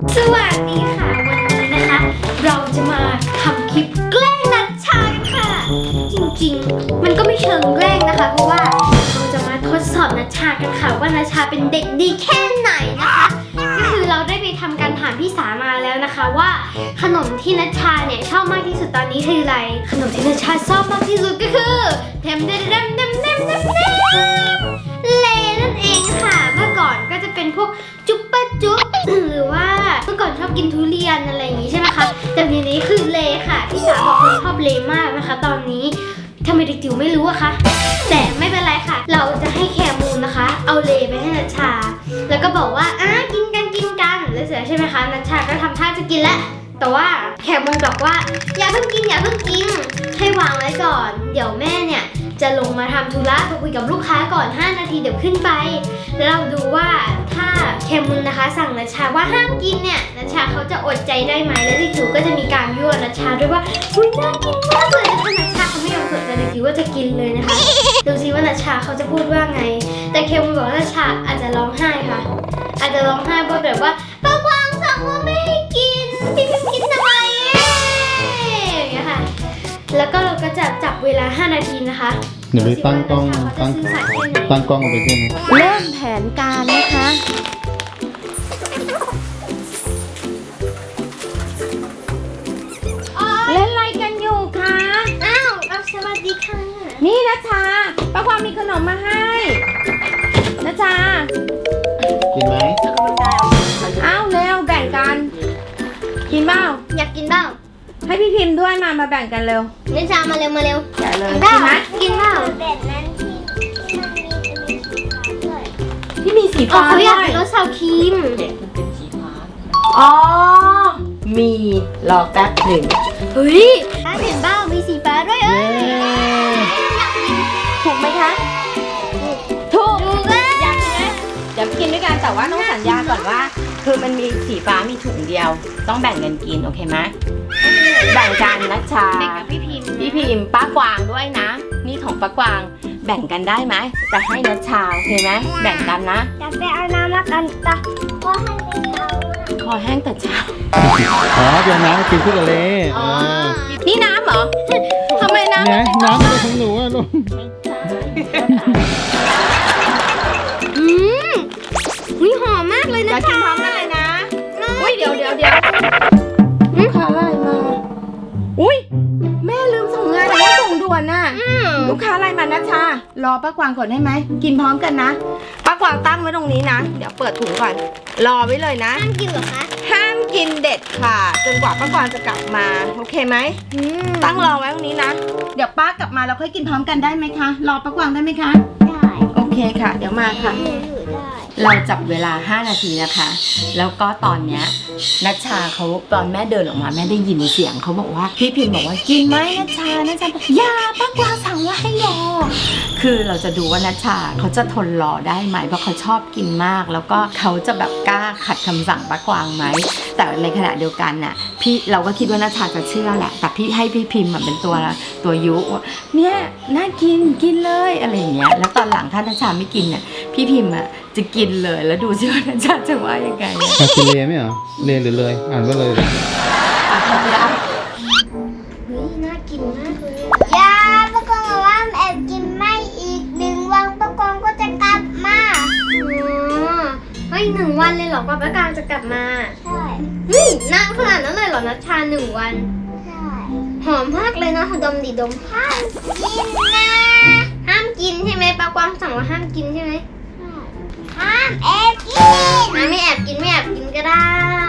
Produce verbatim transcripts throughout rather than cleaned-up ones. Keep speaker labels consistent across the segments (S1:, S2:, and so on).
S1: สวัสดีค่ะวันนี้นะคะ เราจะมาทำคลิปแกล้งนัชชากันค่ะจริงๆมันก็ไม่เชิงแกล้งนะคะเพราะว่าเราจะมาทดสอบนัชชากันค่ะว่านัชชาเป็นเด็กดีแค่ไหนนะคะก็คือเราได้ไปทำการถามพี่สามาแล้วนะคะว่าขนมที่นัชชาเนี่ยชอบมากที่สุดตอนนี้คืออะไรขนมที่นัชชาชอบมากที่สุดก็คือเทมเดมเดมเดมเดมเดมเดมเลนั่นเองค่ะเมื่อก่อนก็จะเป็นพวกจุ๊บปะจุ๊บหรือว่าเมื่อก่อนชอบกินทุเรียนอะไรอย่างงี้ใช่ไหมคะแต่ทีนี้คือเลค่ะพี่สาวบอกว่าชอบเลมากนะคะ ตอนนี้ทำไมเด็กจิ๋วไม่รู้อะคะแต่ไม่เป็นไรค่ะเราจะให้แคมูลนะคะเอาเลไปให้นัชชาแล้วก็บอกว่าอ่ะกินกันกินกันแล้วเสร็จใช่ไหมคะนัชชาก็ทำท่าจะกินแล้วแต่ว่าแคมูลบอกว่าอย่าเพิ่งกินอย่าเพิ่งกินให้วางไว้ก่อนเดี๋ยวแม่เนี่ยจะลงมาทำธุระไปคุยกับลูกค้าก่อนห้านาทีเดี๋ยวขึ้นไปแล้วเราดูว่าถ้าแคมูลนะคะสั่งนัชชาว่าห้ามกินเนี่ยนัชชาเขาจะอดใจได้ไหมแล้วเด็กจิ๋วก็จะมีการยั่วนัชชาด้วยว่าอุ้ยน่ากินมากเลยถ้านัชชาเขาไม่ยอมเปิดแต่เด็กจิ๋วก็จะกินเลยนะคะดูซิว่านัชชาเขาจะพูดว่าไงแต่แคมูลบอกว่านัชชาอาจจะร้องไห้ค่ะอาจจะร้องไห้เพราะแบบว่าป้ากวางสั่งว่าไม่ให้กินพี่พิมกินทำไมอย่างเงี้ยค่ะแล้วก็เราก็จะจับเวลาห้านาทีนะคะ
S2: เดี๋ยวไปตั้งกล้องตั้งตั้งกล้องเอาไปด้วยนะ
S3: เริ่มแผนการนะคะเล่นอะไรกันอยู่คะ
S1: อ้าวสวัสดีค่ะ
S3: นี่นะชาป้าความมีขนมมาให้นะชา
S2: กินไหม
S3: อ้าวเร็วแบ่งกันกินเปล่า
S1: อยากกินเปล่า
S3: ให้พี่พิมพ์ด้วยมามาแบ่งกันเร็ว
S1: เล่นชามาเร็วมาเร็ว
S3: แกะเลย
S1: กิ
S3: กินไหม
S1: กินเปล่า
S4: แบบนั้นที่ที่มันมีจะมีสีฟ้าด้วย
S3: ที่มีสี
S1: อ๋อ
S3: ฟ้า
S1: เขา
S3: ด้
S1: อยาก
S3: วย
S1: กินรสซาวครีม
S3: อ๋อมีรอแป๊บหนึ่ง
S1: เฮ้ยถ้าเห็นเปล่ามีสีฟ้าด้วยเอ้ย
S3: ถูกไหมคะถูก
S1: ดูเลย
S3: อยากกินไหมเดี๋ยวกินด้วยกันแต่ว่าต้องสัญญาก่อนว่า คือมันมีสีฟ้ามีถุงเดียว ต้องแบ่งกันกินโอเคไหมแบ่งกันนะชา
S1: แบ่งกับพี่พิมพ์
S3: พี่พิมพ์ป้ากวางด้วยนะ นี่ของป้ากวางแบ่งกันได้ไหมจะให้นัชชาโอเคไหมแบ่งกันนะ
S4: จะไปเอาน้ำมากันตะก็ให้ไม่เอา
S3: คอแห้งแต่เช้า
S2: อ๋อเดี๋ยวน้ำกินคู่กับเล
S3: อ๋อนี่น้ำเหรอทำไมน้ำ
S2: เนี่ยน้ำเป็นของหนูอะลูก
S1: อืมวิหอมมากเลย
S3: อ
S1: นะ
S3: ยากกิน
S1: คะ
S3: พร้อมกันเลยนะอุ้ยเดี๋ยวเดี๋ยวเดี๋ยวลูกค้าไลน์มาอุ้ยแม่ลืมส่งงานแล้วส่งด่วนน่ะ
S1: อืม
S3: ลูกค้าไลน์มานะชารอป้ากวางก่อนได้ไหมกินพร้อมกันนะป้ากวางตั้งไว้ตรงนี้นะเดี๋ยวเปิดถุงก่อนรอไว้เลยนะ
S1: ห้ามกินเหรอคะ
S3: ห้ามกินเด็ดค่ะจนกว่าป้ากวางจะกลับมาโอเคไหม
S1: อืม
S3: ตั้งรอไว้ตรงนี้นะเดี๋ยวป้ากลับมาเราค่อยกินพร้อมกันได้ไหมคะรอป้ากวางได้ไหมคะ
S4: ได้
S3: โอเคค่ะเดี๋ยวมาค่ะ
S4: อยู่ได้
S3: เราจับเวลาห้านาทีนะคะ แล้วก็ตอนเนี้ยนัชชาเขาตอนแม่เดินออกมาแม่ได้ยินเสียงเขาบอกว่าพี่พิมพ์บอกว่ากินไหมนัชชานัชชาบอกอย่าป้ากวางสั่งว่าให้รอคือเราจะดูว่านัชชาเขาจะทนรอได้ไหมเพราะเขาชอบกินมาก แล้วก็เขาจะแบบกล้าขัดคำสั่งป้ากวางไหมแต่ในขณะเดียวกันน่ะพี่เราก็คิดว่านัชชาจะเชื่อแหละแต่พี่ให้พี่พิมพ์เป็นตัวตัวยุว่าเนี่ยน่ากินกินเลยอะไรอย่างเงี้ยแล้วตอนหลังถ้านัชชาไม่กินเนี่ยพี่พิมพ์อ่ะจะกินเลยแล้วดูซิว่านัชชาจะว่ายังไง
S2: อ่ะกินเลไหมเหรอเลหรือเลยอ่านว่าเลย
S3: อ่ะทำได้
S1: เฮ้ยน่ากินมากเลย
S4: ยาปะกองบอกว่าแอบกินไม่อีกหนึ่งวันปะกองก็จะกลับมา
S1: อ๋อเฮ้ยหนึ่งวันเลยเหรอกว่าป้ากลางจะกลับมา
S4: ใช่
S1: เฮ้ยนานขนาดนั้นเลยเหรอนัชชาหนึ่งวัน
S4: ใช่
S1: หอมมากเลยเนาะดมดิดม
S4: ห้ามกินนะ
S1: ห้ามกินใช่ไหมป้ากวางสั่งว่าห้ามกินใช่ไหม
S4: ห้ามแอบกิน
S1: อ่ะไม่แอบกินไม่แอบกินก็ได้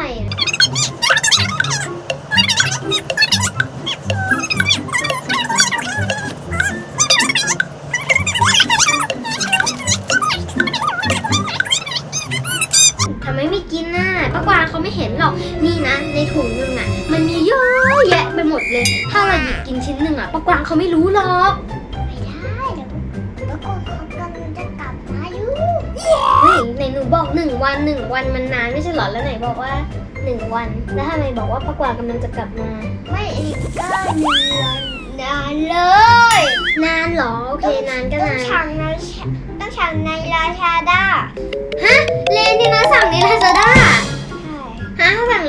S1: ทำไมไม่กินน่ะป้ากวางเขาไม่เห็นหรอกนี่นะในถุงนึงอ่ะมันมีเยอะแยะไปหมดเลย ถ้าเราหยิบกินชิ้นหนึ่งอ่ะป้ากวางเขาไม่รู้หรอก
S4: ไม่ได้เดี๋ยวปะกองเขากำลังจะกลับมาอยู่
S1: เฮ้ยไหนหนูบอกหนึ่งวันหนึ่งวันมันนานไม่ใช่เหรอแล้วไหนบอกว่าหนึ่งวันแล้วทำไมบอกว่าป้ากวางกำลังจะกลับมา
S4: ไม่อีกก็เดือนนานเลย
S1: นานเหรอโอเคนานก็
S4: ต้อง
S1: นาน
S4: ฉังในต้องฉังในราชาด้า
S1: ฮะเลนที่น้าสั่งในลาซาด้า
S4: ใช่
S1: ฮะเขาสั่ง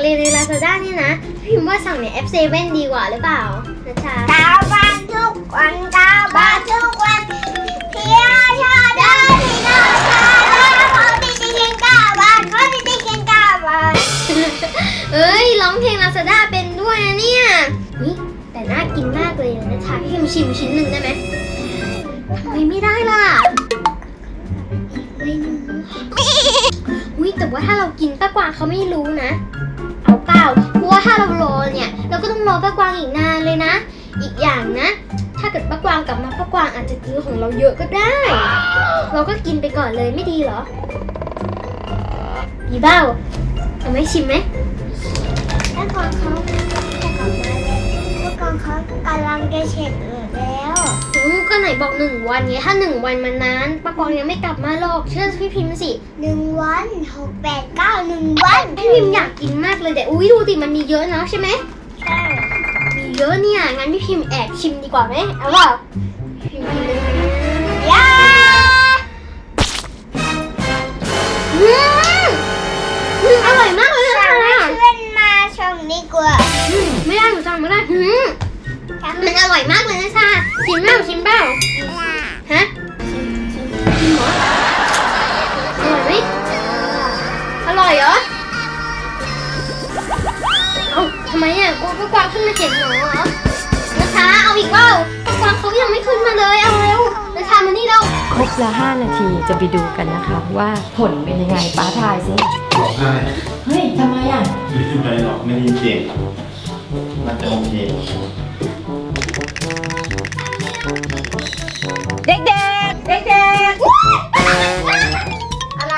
S1: Lazada นี่นะพิมพ์ว่าสั่งในแอปเซเว่นดีกว่าหรือเปล่านะชา
S4: เก้าบาททุกวันเก้าบาททุกวันเพียชาดาที่น่าชาดาเขาติดเพียงเก้าบาทเขาติดเพียงเก้าบาท
S1: เอ้ยร้องเพลง Lazada เป็นด้วยนะเนี่ยนี่แต่น่ากินมากเลยนะชาพี่พิมพ์ชิมชิ้นหนึ่งได้ไหมทำไมไม่ได้ล่ะอีกเลยหนึ่งอุ้ยแต่ว่าถ้าเรากินป้ากวางเขาไม่รู้นะเอาเปล่าเพราะว่าถ้าเรารอเนี่ยเราก็ต้องรอป้ากวางอีกนานเลยนะ อีกอย่างนะ ถ้าเกิดป้ากวางกลับมาป้ากวางอาจจะกินของเราเยอะก็ได้ เราก็กินไปก่อนเลยไม่ดีเหรอดีเบ้าเอาไหมชิมไหม
S4: แล้วก่อนเขาจะกลับมาเลยแล้วก่อนเขากำลังจะเสร็จแล้ว
S1: อืมก็ไหนบอกหนึ่งวันไงถ้าหนึ่งวันมันนานป้ากวางยังไม่กลับมาหรอกเชื่อพี่พิมพ์สิ
S4: หนึ่งวันหกแปดเก้าหนึ่งวัน
S1: พี่พิมพ์อยากกินมากเลยแต่อุ้ยดูสิมันมีเยอะนะใช่ไหม
S4: ใช่
S1: มีเยอะเนี่ยงั้นพี่พิมพ์แอบชิมดีกว่าไหมเอาเปล่าพิมพ์กินเลย
S4: ยา
S1: อืมอืมอร่อยมากเลย
S4: สั่
S1: นะ
S4: งให้เพื่อนมาชมดีกว่า
S1: อืมไม่ได้หนูสั่งไม่ได้อืมมันอร่อยมากเลยนะชาชิมเปล่าชิมเปล่าฮะชิมเหรออร่อยไหมอร่อยเหรอเอ้าทำไมอ่ะกูก็กวางขึ้นมาเขียนหนูเหรอนะคะเอาอีกเปล่าก็กวางเขายังไม่ขึ้นมาเลยเอาเร็วนะชามานี่เร็ว
S3: ครบละห้านาทีจะไปดูกันนะคะว่าผลเป็นยังไงป้าทายสิ
S2: ร้องไห้
S3: เฮ้ยทำไมอ่ะ
S2: ไม่เป็นไรหรอกไม่ได้ยินเสียงมันจะโอเค
S3: เด็กๆ เด็กๆ อะไร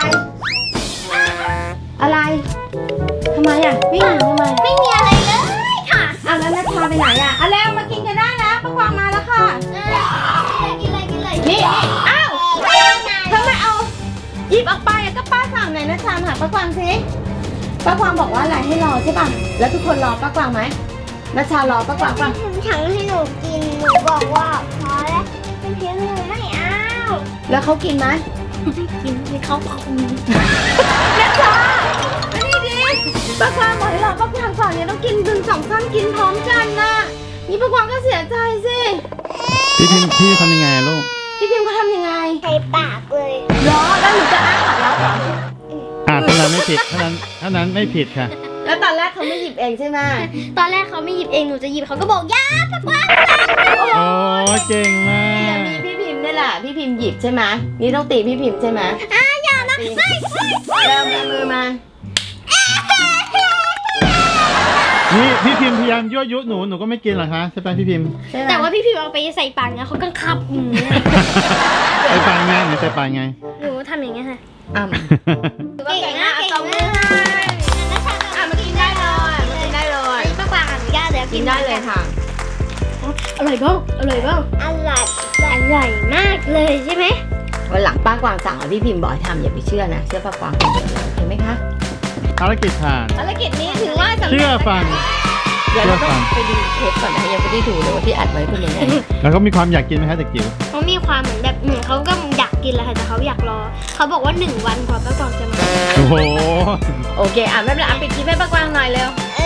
S3: อะไร ทำไมอ่ะวิ่งหนีทำไม
S1: ไม่มีอะไรเลยค่ะ
S3: อ้าวแล้วนัชชาไปไหนอ่ะเอาแล้วมากินกันได้แล้วป้ากวางมาแล้วค่ะ
S1: กินเลยกินเลย
S3: นี่ อ้าวทำไมเอาหยิบออกไปอ่ะก็ป้าสั่งไหนนัชชามาหาป้ากวางสิป้ากวางบอกว่าอะไรให้รอใช่ป่ะ แล้วทุกคนรอป้ากวางไหมนัชชารอป้ากวางป่ะ
S4: พี่พิมพ์ถังให้หนูกินหนูบอกว่าพอแล้วพี่พิมพ์หนูไม่เอา
S3: แล้วเขากินไหม
S1: กินให้เขาเอา
S3: นัชชามานี่ดิป้ากวางบอกให้รอป้ากวางก่อนเนี่ยต้องกินดึงสองท่านกินพร้อมกันนะนี่ป้ากวางก็เสียใจสิ
S2: พี่พิมพี่ทำยังไงอะลูก
S3: พี่พิมพ์เขาทำยังไง
S4: ใส่ปากเลย
S3: รอแล้วหนูจะอ้าปากแล้วเหรอ
S2: อ่าเท่านั้นไม่ผิดเท่านั้นเท่านั้นไม่ผิดค่ะ
S3: แล้วตอนแรกเขาไม่หยิบเองใช่ไหม
S1: ตอนแรกเขาไม่หยิบเองหนูจะหยิบเขาก็บอกย่าป้ากวาง
S2: โอ้เก่งมา
S3: เนี่ย
S2: ก
S3: มีพี่พิมพ์นี่แหละพี่พิมพ์หยิบใช่ไหมนี่ต้องตีพี่พิมพ์ใช่ไหม
S1: อ่าอย่านะไม่ไม่
S3: เริ่มเอามือมา
S2: นี่พี่พิมพ์พยายามยั่วยุหนูหนูก็ไม่กินหรอคะใช่ไหมพี่พิมพ์
S3: ใช่ไหม
S1: แต่ว่าพี่พิมพ์เอาไปใส่ปากนะเขากังคับอืม
S2: ใส่ปลาไงหนูใส่ปลาไง
S1: หนูทำอย่างเงี้ยค่ะ
S3: อ่ะเก่งนะเอาตบมือให้อ่ะมากินได้เลยมากินได้เลย
S1: ป้ากวางอนุญาตแล้ว
S3: กินได้เลยค่ะ
S1: อร่อยบ้างอร่อยบ้าง
S4: อร่อย
S1: อร่อยมากเลยใช่ไหม
S3: วันหลังป้ากวางสั่งเอาพี่พิมพ์บอกให้ทำอย่าไปเชื่อนะเชื่อป้ากวางคนเดียวเลยเห็นไหมคะ
S2: ภารกิจผ่าน
S3: ภารกิจนี้ถือว่าสำเร็จ
S2: เชื่อฟัง
S3: เดี๋ยวเราต้องไปดูเทปก่อนนะยังไม่ได้ดูเลยว่าที่อัดไว้เป็นยังไง
S2: แล้วก็มีความอยากกินไหมคะเด็กจิ๋ว
S1: เขามีความเหมือนแบบเหมือนเขาก็อยากกินแหละค่ะแต่เขาอยากรอเขาบอกว่าหนึ่งวันกว่าป้ากวางจะมา
S2: โอ้โห
S3: โอเคอ่ะไม่เป็นไรอ่ะปิดคลิปให้ป้ากวางหน่อยเร็ว
S4: เอ